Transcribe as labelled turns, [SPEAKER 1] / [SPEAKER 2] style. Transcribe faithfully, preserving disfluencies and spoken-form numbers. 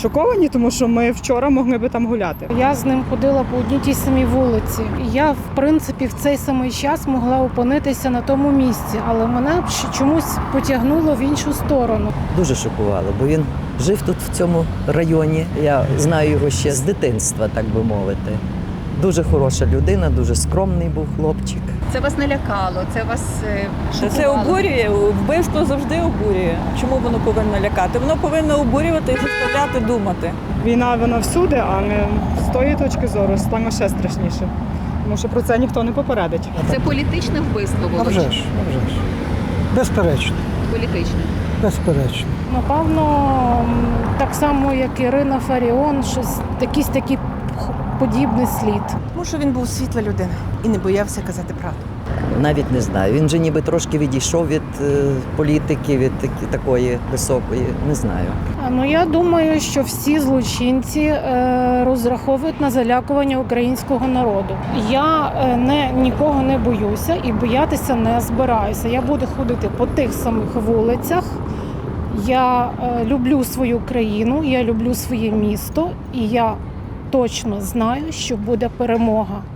[SPEAKER 1] шоковані, тому що ми вчора могли би там гуляти.
[SPEAKER 2] Я з ним ходила по одній тій самій вулиці. Я, в принципі, в цей самий час могла опинитися на тому місці, але мене чомусь потягнуло в іншу сторону.
[SPEAKER 3] Дуже шокувало, бо він жив тут, в цьому районі. Я знаю його ще з дитинства, так би мовити. Дуже хороша людина, дуже скромний був хлопчик.
[SPEAKER 4] Це вас не лякало, це вас е,
[SPEAKER 5] Це
[SPEAKER 4] шокувало?
[SPEAKER 5] обурює, вбивство завжди обурює. Чому воно повинно лякати? Воно повинно обурювати і заставляти думати.
[SPEAKER 1] Війна, вона всюди, а не з тої точки зору стане ще страшніше. Тому що про це ніхто не попередить.
[SPEAKER 4] Це політичне вбивство,
[SPEAKER 6] А
[SPEAKER 4] Володь?
[SPEAKER 6] вже ж, а вже ж. Безперечно,
[SPEAKER 4] Політичне.
[SPEAKER 6] безперечно.
[SPEAKER 2] Напевно, м, так само, як Ірина Фаріон, щось якийсь такий подібний слід.
[SPEAKER 7] Тому що він був світла людина і не боявся казати правду.
[SPEAKER 3] Навіть не знаю. Він же ніби трошки відійшов від е, політики, від такі, такої високої. Не знаю.
[SPEAKER 2] А, Ну, я думаю, що всі злочинці е, розраховують на залякування українського народу. Я е, не, нікого не боюся і боятися не збираюся. Я буду ходити по тих самих вулицях. Я е, люблю свою країну, я люблю своє місто, і я точно знаю, що буде перемога.